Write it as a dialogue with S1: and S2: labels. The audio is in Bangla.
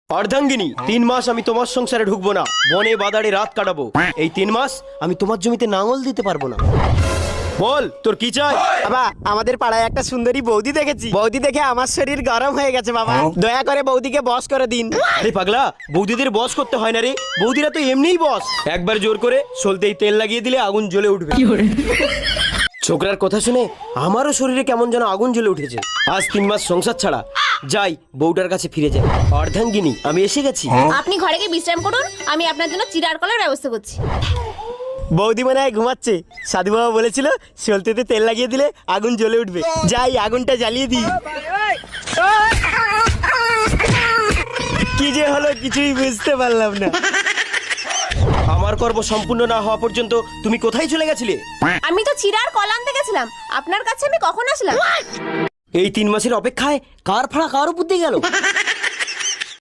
S1: অর্ধাঙ্গিনী, 3 মাস আমি তোমার সংসারে ঢুকবো না, বনে বাদারে রাত কাটাবো। এই 3 মাস আমি তোমার জমিতে নাঙল দিতে পারবো না। বল তোর কি চাই?
S2: বাবা, আমাদের পাড়ায় একটা সুন্দরী বৌদি দেখেছি। বৌদি দেখে আমার শরীর গরম হয়ে গেছে বাবা। দয়া করে বৌদিকে বস করে দিন।
S1: আরে পাগলা, বৌদিদের বস করতে হয় না রে, বৌদিরা তো এমনিই বস। একবার জোর করে সলতেই তেল লাগিয়ে দিলে আগুন জ্বলে উঠবে। ছোকরার কথা শুনে আমারও শরীরে কেমন যেন আগুন জ্বলে উঠেছে। আজ 3 মাস সংসার ছাড়া, যাই বউটার কাছে ফিরে যাই। অর্ধাঙ্গিনী, আমি এসে গেছি।
S3: আপনি ঘরে গিয়ে বিশ্রাম করুন, আমি আপনার জন্য চিড়ার কলার ব্যবস্থা করছি।
S2: বৌদি মনে হয় ঘুমাচ্ছে। সাধু বাবা বলেছিল সলতেতে তেল লাগিয়ে দিলে আগুন জ্বলে উঠবে। যাই আগুনটা জ্বালিয়ে দিই। কি যে হলো কিছুই বুঝতে পারলাম না।
S1: আমার কর্ম সম্পূর্ণ না হওয়া পর্যন্ত তুমি কোথায় চলে গেছিলে?
S3: আমি তো চিড়ার কলা আনতে গেছিলাম, আপনার কাছে আমি কখন আসলাম?
S1: এই 3 মাসের অপেক্ষায় কার ফাড়া কার উপর দিয়ে গেল।